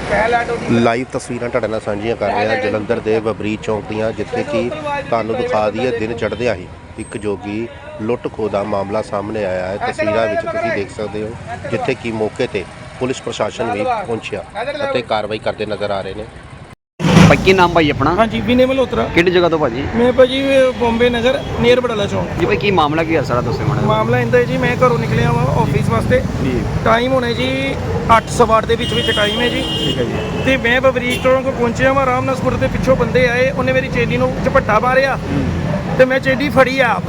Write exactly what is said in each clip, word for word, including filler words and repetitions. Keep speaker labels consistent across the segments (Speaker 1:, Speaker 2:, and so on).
Speaker 1: Live ਤਸਵੀਰਾਂ ਤੁਹਾਡੇ ਨਾਲ ਸਾਂਝੀਆਂ ਕਰ ਰਹੇ ਹਾਂ ਜਲੰਧਰ ਦੇ ਬਬਰੀ ਚੌਂਕ ਦੀਆਂ, ਜਿੱਥੇ ਕਿ ਤੁਹਾਨੂੰ ਦਿਖਾ ਦਈਏ ਦਿਨ ਚੜ੍ਹਦਿਆਂ ਹੀ ਇੱਕ ਜੋਗੀ ਲੁੱਟ ਖੋਹ ਦਾ ਮਾਮਲਾ ਸਾਹਮਣੇ ਆਇਆ ਹੈ। ਤਸਵੀਰਾਂ ਵਿੱਚ ਤੁਸੀਂ ਦੇਖ ਸਕਦੇ ਹੋ ਜਿੱਥੇ ਕਿ ਮੌਕੇ ਤੇ ਪੁਲਿਸ ਪ੍ਰਸ਼ਾਸਨ ਵੀ ਪਹੁੰਚਿਆ ਅਤੇ ਕਾਰਵਾਈ ਕਰਦੇ ਨਜ਼ਰ ਆ ਰਹੇ ਨੇ।
Speaker 2: ਭਾਈ ਕੀ ਨਾਮ ਭਾਈ ਆਪਣਾ?
Speaker 3: हाँ जी विनय मल्होत्रा।
Speaker 2: ਕਿਹੜੀ ਜਗ੍ਹਾ ਤੋਂ ਭਾਜੀ?
Speaker 3: मैं भाजी बॉम्बे नगर नियर बड़ाला चौक।
Speaker 2: ਜੀ ਭਾਈ ਕੀ ਮਾਮਲਾ ਕੀ ਹੈ ਸਾਰਾ ਦੱਸੋ ਮਾੜਾ।
Speaker 3: ਮਾਮਲਾ ਇੰਦਾ ਜੀ, ਮੈਂ ਘਰੋਂ ਨਿਕਲਿਆ ਵਾ ਆਫਿਸ ਵਾਸਤੇ।
Speaker 2: ਜੀ
Speaker 3: ਟਾਈਮ ਹੋਣੇ ਜੀ ਅੱਠ ਸਵਾ ਅੱਠ ਦੇ ਵਿੱਚ ਵਿੱਚ ਟਾਈਮ ਹੈ ਜੀ।
Speaker 2: ਠੀਕ ਹੈ ਜੀ।
Speaker 3: ਤੇ ਮੈਂ ਬਬਰੀਕ ਚੌਂਕ ਪਹੁੰਚਿਆ ਵਾ, ਆਰਾਮ ਨਾਲ ਸਕੂਟਰ ਦੇ ਪਿੱਛੋਂ ਬੰਦੇ ਆਏ, ਉਹਨੇ ਮੇਰੀ ਚੇਨੀ ਨੂੰ ਝਪੱਟਾ ਮਾਰਿਆ ਤੇ ਮੈਂ ਚੇਨੀ ਫੜੀ ਆਪ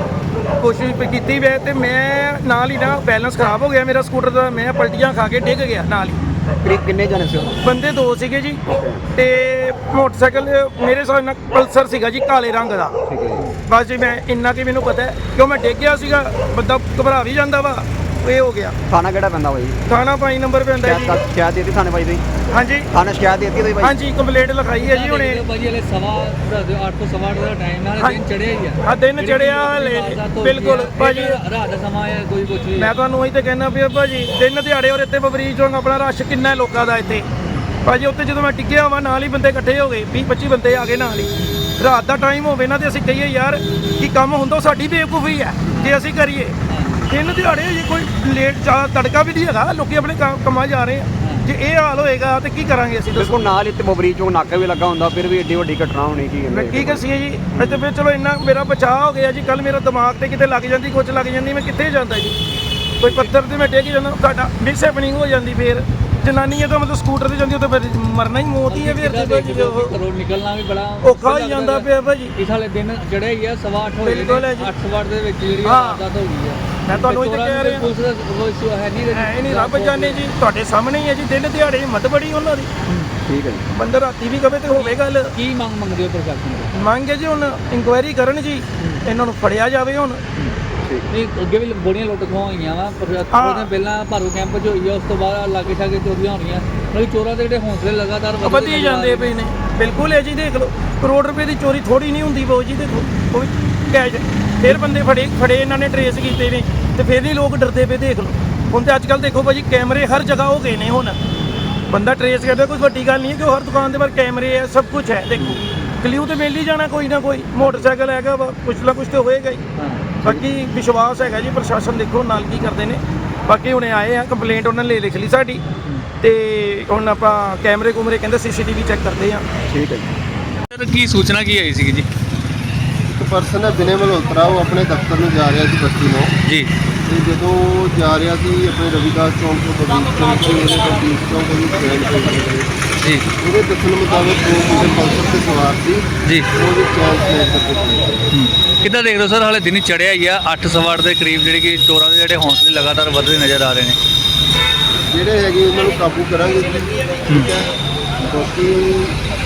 Speaker 3: ਕੋਸ਼ਿਸ਼ ਕੀਤੀ ਵੇ ਤੇ ਮੈਂ ਨਾਲ ਹੀ ਨਾ ਬੈਲੈਂਸ ਖਰਾਬ ਹੋ ਗਿਆ ਮੇਰਾ ਸਕੂਟਰ ਦਾ, ਮੈਂ ਪਲਟੀਆਂ ਖਾ ਕੇ ਡਿੱਗ ਗਿਆ ਨਾਲ ਹੀ।
Speaker 2: ਕਰੀਬ ਕਿੰਨੇ ਜਾਣੇ ਸੀ ਉਹ?
Speaker 3: ਬੰਦੇ ਦੋ ਸੀਗੇ ਜੀ ਤੇ ਮੋਟਰਸਾਈਕਲ ਮੇਰੇ ਹਿਸਾਬ ਨਾਲ ਪਲਸਰ ਸੀਗਾ ਜੀ ਕਾਲੇ ਰੰਗ ਦਾ।
Speaker 2: ਠੀਕ ਹੈ ਜੀ।
Speaker 3: ਬਸ ਜੀ ਮੈਂ ਇੰਨਾ ਕਿ ਮੈਨੂੰ ਪਤਾ ਹੈ ਕਿਉਂ ਮੈਂ ਡਿੱਗ ਗਿਆ ਸੀਗਾ, ਬੰਦਾ ਘਬਰਾ ਵੀ ਜਾਂਦਾ ਵਾ, ਇਹ ਹੋ ਗਿਆ।
Speaker 2: ਥਾਣਾ ਕਿਹੜਾ ਪੈਂਦਾ ਭਾਈ?
Speaker 3: ਥਾਣਾ ਪੰਜ ਨੰਬਰ ਪੈਂਦਾ ਜੀ।
Speaker 2: ਸ਼ਿਕਾਇਤ ਸ਼ਿਕਾਇਤ ਦਿੱਤੀ ਥਾਣੇ ਭਾਈ ਦੀ?
Speaker 3: ਹਾਂਜੀ
Speaker 2: ਥਾਣੇ ਸ਼ਿਕਾਇਤ ਦਿੱਤੀ ਤੁਸੀਂ ਭਾਈ?
Speaker 3: ਹਾਂਜੀ ਕੰਪਲੇਂਟ ਲਿਖਾਈ ਹੈ ਜੀ ਹੁਣੇ।
Speaker 4: ਭਾਜੀ ਹਲੇ ਸਵਾ ਅੱਠ ਤੋਂ ਸਵਾ ਅੱਠ ਦਾ ਟਾਈਮ ਹੈ, ਹਲੇ ਦਿਨ ਚੜਿਆ ਹੀ ਆ।
Speaker 3: ਆ ਦਿਨ ਚੜਿਆ ਹਲੇ ਬਿਲਕੁਲ ਭਾਜੀ,
Speaker 4: ਰਾਤ ਦਾ ਸਮਾਂ ਹੈ, ਕੋਈ ਕੁਝ ਵੀ।
Speaker 3: ਮੈਂ ਤੁਹਾਨੂੰ ਉਹੀ ਤੇ ਕਹਿਣਾ ਪਿਆ ਭਾਜੀ, ਦਿਨ ਦਿਹਾੜੇ ਔਰ ਇੱਥੇ ਬਬਰੀਕ ਚੌਂਕ ਆਪਣਾ ਰਸ਼ ਕਿੰਨਾ ਹੈ ਲੋਕਾਂ ਦਾ ਇੱਥੇ ਭਾਜੀ। ਉੱਥੇ ਜਦੋਂ ਮੈਂ ਟਿੱਗਿਆ ਵਾ ਨਾਲ ਹੀ ਬੰਦੇ ਇਕੱਠੇ ਹੋ ਗਏ, ਵੀਹ ਪੱਚੀ ਬੰਦੇ ਆ ਗਏ ਨਾਲ ਹੀ। ਰਾਤ ਦਾ ਟਾਈਮ ਹੋਵੇ ਨਾ ਤੇ ਅਸੀਂ ਕਹੀਏ ਯਾਰ ਕੀ ਕੰਮ ਹੁੰਦਾ, ਸਾਡੀ ਬੇਵਕੂਫੀ ਹੈ ਜੇ ਅਸੀਂ ਕਰੀਏ। ਦਿਨ ਦਿਹਾੜੇ ਜੇ ਕੋਈ ਲੇਟ ਜ਼ਿਆਦਾ ਤੜਕਾ ਵੀ ਨਹੀਂ ਹੈਗਾ, ਲੋਕੀ ਆਪਣੇ ਕੰਮ- ਕੰਮਾਂ ਜਾ ਰਹੇ ਆ। ਜੇ ਇਹ ਹਾਲ ਹੋਏਗਾ ਤੇ ਕੀ ਕਰਾਂਗੇ ਅਸੀਂ ਦੱਸੋ?
Speaker 2: ਬਿਲਕੁਲ ਨਾਲ ਹੀ ਤੇ ਬਬਰੀ ਚੌਂਕ ਨਾਕਾ ਵੀ ਲੱਗਾ ਹੁੰਦਾ, ਫਿਰ ਵੀ ਏਡੀ ਵੱਡੀ ਘਟਨਾ ਹੋਣੀ ਕੀ
Speaker 3: ਮੈਂ
Speaker 2: ਕਹਿੰਦੇ?
Speaker 3: ਕੀ ਕਸੀਏ ਜੀ, ਅੱਜ ਤੇ ਫਿਰ ਚਲੋ ਇੰਨਾ ਮੇਰਾ ਬਚਾਅ ਹੋ ਗਿਆ ਜੀ। ਕੱਲ ਮੇਰਾ ਦਿਮਾਗ ਤੇ ਕਿਤੇ ਲੱਗ ਜਾਂਦੀ, ਕੁਝ ਲੱਗ ਜਾਂਦੀ, ਮੈਂ ਕਿੱਥੇ ਜਾਂਦਾ ਜੀ। ਕੋਈ ਪੱਥਰ ਤੇ ਮੈਂ ਡਿੱਗ ਜਾਂਦਾ, ਸਾਡਾ ਮਿਸ ਹੈਪਨਿੰਗ ਹੋ ਜਾਂਦੀ। ਫਿਰ ਜਨਾਨੀ ਹੈ ਤਾਂ ਮਤਲਬ ਸਕੂਟਰ ਤੇ ਜਾਂਦੀ, ਉਹ ਤਾਂ ਫਿਰ ਮਰਨਾ ਹੀ ਮੌਤ ਹੀ ਹੈ। ਫਿਰ ਤੇ ਭਾਜੀ ਉਹ
Speaker 4: ਘਰੋਂ ਨਿਕਲਣਾ ਵੀ ਬੜਾ
Speaker 3: ਔਖਾ ਹੋ ਜਾਂਦਾ ਪਿਆ ਭਾਜੀ।
Speaker 4: ਇਸ ਹਾਲੇ ਦਿਨ ਚੜਿਆ ਹੀ ਆ, ਸਵਾ ਅੱਠ ਹੋਏ
Speaker 3: ਬਿਲਕੁਲ ਹੈ
Speaker 4: ਨੇ,
Speaker 3: ਜੀ।
Speaker 4: ਅੱਠ ਸਵਾ ਅੱਠ ਦੇ ਵਿੱਚ ਜਿਹੜੀ
Speaker 3: ਹਾਂ।
Speaker 4: ਵਾਰਦਾਤ ਹੋ ਗਈ ਆ।
Speaker 3: ਮੈਂ ਤੁਹਾਨੂੰ ਇਹ ਤਾਂ ਕਹਿ ਰਿਹਾ,
Speaker 4: ਪੁਲਿਸ ਦਾ ਕੋਈ ਇਸ਼ੂ ਹੈ ਨਹੀਂ
Speaker 3: ਐ ਨਹੀਂ ਰੱਬ ਜਾਣੇ ਜੀ, ਤੁਹਾਡੇ ਸਾਹਮਣੇ ਹੀ ਹੈ ਜੀ। ਦਿਨ ਦਿਹਾੜੇ ਹਿੰਮਤ ਬੜੀ ਉਹਨਾਂ ਦੀ।
Speaker 2: ਠੀਕ ਹੈ ਜੀ।
Speaker 3: ਬੰਦਾ ਰਾਤੀ ਵੀ ਕਵੇ ਤੇ ਹੋਵੇ ਗੱਲ।
Speaker 4: ਕੀ ਮੰਗ ਮੰਗਦੇ ਹੋ ਪ੍ਰਸ਼ਾਸਨ ਤੋਂ?
Speaker 3: ਮੰਗੇ ਜੀ ਹੁਣ ਇਨਕੁਆਇਰੀ ਕਰਨ ਜੀ, ਇਹਨਾਂ ਨੂੰ ਫੜਿਆ ਜਾਵੇ ਹੁਣ।
Speaker 4: ਨਹੀਂ ਅੱਗੇ ਵੀ ਬੜੀਆਂ ਲੁੱਟ ਖੋਹਾਂ ਹੋਈਆਂ ਵਾ, ਪਰ
Speaker 3: ਹਾਂ।
Speaker 4: ਥੋੜ੍ਹੇ ਦਿਨ ਪਹਿਲਾਂ ਭਾਰੂ ਕੈਂਪ 'ਚ ਹੋਈ ਆ, ਉਸ ਤੋਂ ਬਾਅਦ ਲਾਗੇ ਛਾਗੇ ਚੋਰੀਆਂ ਹੋਣੀਆਂ। ਮਤਲਬ ਚੋਰਾਂ ਦੇ ਜਿਹੜੇ ਹੌਸਲੇ ਲਗਾਤਾਰ ਵਧਦੇ
Speaker 3: ਵਧੀ
Speaker 4: ਨਜ਼ਰ ਆ
Speaker 3: ਜਾਂਦੇ
Speaker 4: ਰਹੇ
Speaker 3: ਪਏ ਨੇ। ਬਿਲਕੁਲ ਹੈ ਜੀ, ਦੇਖ ਲਓ ਕਰੋੜ ਰੁਪਏ ਦੀ ਚੋਰੀ ਥੋੜੀ ਨਹੀਂ ਹੁੰਦੀ ਬਾਊ ਜੀ। ਦੇਖੋ ਉਹ ਵੀ ਕੈਸ਼ ਫਿਰ ਬੰਦੇ ਫੜੇ ਫੜੇ ਇਹਨਾਂ ਨੇ ਟਰੇਸ ਕੀਤੇ ਨੇ ਤੇ ਫਿਰ ਨਹੀਂ ਲੋਕ ਡਰਦੇ ਪਏ। ਦੇਖ ਲਓ ਹੁਣ ਤੇ ਅੱਜ ਕੱਲ੍ਹ ਦੇਖੋ ਭਾਜੀ ਕੈਮਰੇ ਹਰ ਜਗ੍ਹਾ ਹੋ ਗਏ ਨੇ। ਹੁਣ ਬੰਦਾ ਟਰੇਸ ਕਰਦਾ, ਕੋਈ ਵੱਡੀ ਗੱਲ ਨਹੀਂ ਹੈ ਕਿ ਹਰ ਦੁਕਾਨ ਦੇ ਬਾਹਰ ਕੈਮਰੇ ਹੈ, ਸਭ ਕੁਝ ਹੈ। ਦੇਖੋ ਕਲਿਊ ਤੇ ਮਿਲ ਹੀ ਜਾਣਾ ਕੋਈ ਨਾ ਕੋਈ। ਮੋਟਰਸਾਈਕਲ ਹੈਗਾ ਵਾ, ਕੁਛ ਨਾ ਕੁਛ ਤੇ ਹੋਏਗਾ ਹੀ। ਬਾਕੀ ਵਿਸ਼ਵਾਸ ਹੈਗਾ ਜੀ ਪ੍ਰਸ਼ਾਸਨ, ਦੇਖੋ ਨਾਲ ਕੀ ਕਰਦੇ ਨੇ। ਬਾਕੀ ਹੁਣੇ ਆਏ ਆ, ਕੰਪਲੇਂਟ ਉਹਨਾਂ ਨੇ ਲਿਖ ਲਈ ਸਾਡੀ ਤੇ ਹੁਣ ਆਪਾਂ ਕੈਮਰੇ ਕੁਮਰੇ ਕਹਿੰਦੇ ਸੀਸੀਟੀਵੀ ਚੈੱਕ ਕਰਦੇ ਆ।
Speaker 2: ਠੀਕ ਹੈ ਜੀ।
Speaker 4: ਸਰ ਕੀ ਸੂਚਨਾ ਕੀ ਆਈ ਸੀਗੀ ਜੀ?
Speaker 5: ਇੱਕ ਪਰਸਨ ਹੈ ਵਿਨੈ ਮਲਹੋਤਰਾ, ਉਹ ਆਪਣੇ ਦਫ਼ਤਰ ਨੂੰ ਜਾ ਰਿਹਾ ਸੀ ਬਸਤੀ ਨੂੰ।
Speaker 4: ਜੀ
Speaker 5: ਤੇ ਜਦੋਂ ਜਾ ਰਿਹਾ ਸੀ ਆਪਣੇ ਰਵਿਦਾਸ ਚੌਂਕ ਤੋਂ ਬਬਰੀਕ ਚੌਂਕ ਤੋਂ ਉਹਨੇ ਬਬਰੀਕ ਚੌਂਕ ਦੀ ਟ੍ਰੇਨ ਪਕੜੀ।
Speaker 4: ਜੀ
Speaker 5: ਉਹਦੇ ਦੱਸਣ ਮੁਤਾਬਕ ਦੋ ਮੁੰਡੇ ਪਲਸਰ ਤੇ ਸਵਾਰ ਸੀ,
Speaker 4: ਜੀ
Speaker 5: ਉਹਦੇ ਚੈਨ ਸਮੇਤ ਕਰਕੇ
Speaker 4: ਕਿੱਦਾਂ ਦੇਖਦੇ ਹੋ ਸਰ? ਹਾਲੇ ਦਿਨ ਚੜਿਆ ਹੀ ਆ, ਅੱਠ ਸਵਾ ਅੱਠ ਦੇ ਕਰੀਬ, ਜਿਹੜੇ ਕਿ ਚੋਰਾਂ ਦੇ ਜਿਹੜੇ ਹੌਸਲੇ ਲਗਾਤਾਰ ਵਧਦੇ ਨਜ਼ਰ ਆ ਰਹੇ ਨੇ।
Speaker 5: ਜਿਹੜੇ ਹੈਗੇ ਉਹਨਾਂ ਨੂੰ ਕਾਬੂ ਕਰਾਂਗੇ ਜੀ। ਠੀਕ ਹੈ, ਬਾਕੀ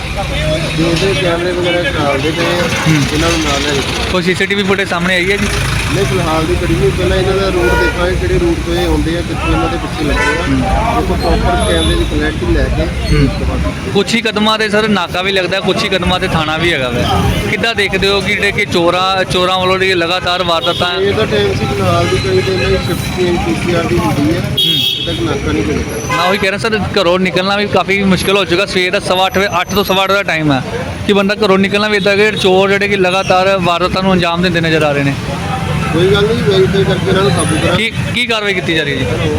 Speaker 5: ਜੋ ਦੇ ਕੈਮਰੇ ਵਗੈਰਾ ਖਰਾਬਦੇ ਪਏ ਆ, ਇਹਨਾਂ ਨੂੰ ਨਾਲ ਲੈ ਜਾਓ।
Speaker 4: ਕੋਈ ਸੀਸੀਟੀਵੀ ਫੁਟੇਜ ਸਾਹਮਣੇ ਆਈ ਹੈ ਜੀ?
Speaker 5: ਨਹੀਂ ਫਿਲਹਾਲ ਦੀ ਕੜੀ ਨਹੀਂ, ਪਹਿਲਾਂ ਇਹਨਾਂ ਦਾ ਰੂਟ ਦੇਖਾਂਗੇ ਕਿਹੜੇ ਰੂਟ ਤੋਂ ਇਹ ਆਉਂਦੇ ਆ, ਕਿੱਥੇ ਇਹਨਾਂ ਦੇ ਪਿੱਛੇ ਲੱਗੇ ਆ। ਉਹ ਪ੍ਰੋਪਰ ਕੈਮਰੇ ਦੀ ਕਲੈਰਿਟੀ ਲੈ ਕੇ ਉਸ ਤੋਂ ਬਾਅਦ
Speaker 4: ਕੁਛ ਹੀ ਕਦਮਾਂ ਤੇ ਸਰ ਨਾਕਾ ਵੀ ਲੱਗਦਾ, ਕੁਛ ਹੀ ਕਦਮਾਂ ਤੇ ਥਾਣਾ ਵੀ ਹੈਗਾ ਵਾ। ਕਿੱਦਾਂ ਦੇਖਦੇ ਹੋ ਕਿ ਜਿਹੜੇ ਕਿ ਚੋਰਾਂ ਚੋਰਾਂ ਵੱਲੋਂ ਜਿਹੜੀ ਲਗਾਤਾਰ ਵਾਰਦਾਤਾਂ?
Speaker 5: ਇਹ ਤਾਂ ਟਾਈਮ ਸੀ ਫਿਲਹਾਲ ਦੀ ਕੜੀ ਤੇ ਇਹਨਾਂ ਦੀ shift change P C R ਦੀ ਹੁੰਦੀ ਹੈ, ਇਹ ਤੱਕ ਨਾਕਾ ਨਹੀਂ ਲੱਗਦਾ।
Speaker 4: ਮੈਂ ਉਹੀ ਕਹਿ ਰਿਹਾ ਸਰ, ਘਰੋਂ ਨਿਕਲਣਾ ਵੀ ਕਾਫੀ ਮੁਸ਼ਕਿਲ ਹੋ ਚੁੱਕਾ। ਸਵੇਰ ਦਾ ਸਵਾ ਅੱਠ ਵਜੇ ਅੱਠ ਤੋਂ ਸਵਾ ਅੱਠ ਦਾ ਟਾਈਮ ਹੈ ਕਿ ਬੰਦਾ ਘਰੋਂ ਨਿਕਲਣਾ ਵੀ ਇੱਦਾਂ ਕਿ ਚੋਰ ਜਿਹੜੇ ਕਿ ਲਗਾਤਾਰ ਵਾਰਦਾਤਾਂ ਨੂੰ ਅੰਜਾਮ ਦਿੰਦੇ ਨਜ਼ਰ ਆ ਰਹੇ ਨੇ।
Speaker 5: ਕੋਈ ਗੱਲ ਨਹੀਂ, ਵੈਰੀਫਾਈ ਕਰਕੇ ਇਹਨਾਂ ਨੂੰ ਕਾਬੂ ਕਰਾਂ।
Speaker 4: ਕੀ ਕੀ ਕਾਰਵਾਈ ਕੀਤੀ ਜਾ ਰਹੀ ਹੈ ਜੀ?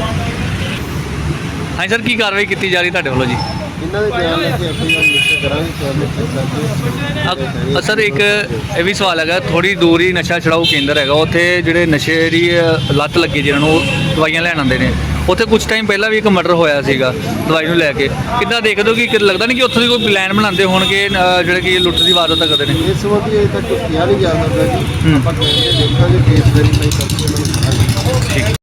Speaker 4: ਹਾਂਜੀ ਸਰ, ਕੀ ਕਾਰਵਾਈ ਕੀਤੀ ਜਾ ਰਹੀ ਤੁਹਾਡੇ ਵੱਲੋਂ ਜੀ?
Speaker 5: ਇਹਨਾਂ ਦੇ ਬਿਆਨ ਲੈ ਕੇ ਐਫ ਆਈ ਆਰ ਰਜਿਸਟਰ ਕਰਾਂਗੇ, ਕੈਮਰੇ ਚੈੱਕ ਕਰਕੇ।
Speaker 4: ਅ- ਸਰ ਇੱਕ ਇਹ ਵੀ ਸਵਾਲ ਹੈਗਾ, ਥੋੜੀ ਦੂਰ ਹੀ ਨਸ਼ਾ ਛਡਾਊ ਕੇਂਦਰ ਹੈਗਾ, ਉੱਥੇ ਜਿਹੜੇ ਨਸ਼ੇ ਦੀ ਅ, ਲੱਤ ਲੱਗੀ ਜਿਹਨਾਂ ਨੂੰ ਉਹ ਦਵਾਈਆਂ ਲੈਣ ਆਉਂਦੇ ਨੇ, ਉੱਥੇ ਕੁਝ ਟਾਈਮ ਪਹਿਲਾਂ ਵੀ ਇੱਕ ਮਰਡਰ ਹੋਇਆ ਸੀਗਾ ਦਵਾਈ ਨੂੰ ਲੈ ਕੇ। ਕਿੱਦਾਂ ਦੇਖਦੇ ਹੋ ਕਿ ਲੱਗਦਾ ਨਹੀਂ ਕਿ ਉੱਥੋਂ ਦੀ ਕੋਈ ਪਲਾਨ ਬਣਾਉਂਦੇ ਹੋਣਗੇ ਅ, ਜਿਹੜੇ ਕਿ ਲੁੱਟ ਦੀ ਵਾਰਦਾਤ ਕਰਦੇ ਨੇ?
Speaker 5: ਇਸ ਸੰਬੰਧੀ ਅਜੇ ਤੱਕ ਕਿਹਾ ਨਹੀਂ ਜਾ ਸਕਦਾ ਜੀ। ਆਪਾਂ ਕੈਮਰੇ ਦੇਖਾਂਗੇ, ਕੇਸ ਵੈਰੀਫਾਈ ਕਰਕੇ ਇਹਨਾਂ ਨੂੰ ਦਿਖਾਂਗੇ।
Speaker 4: ਠੀਕ।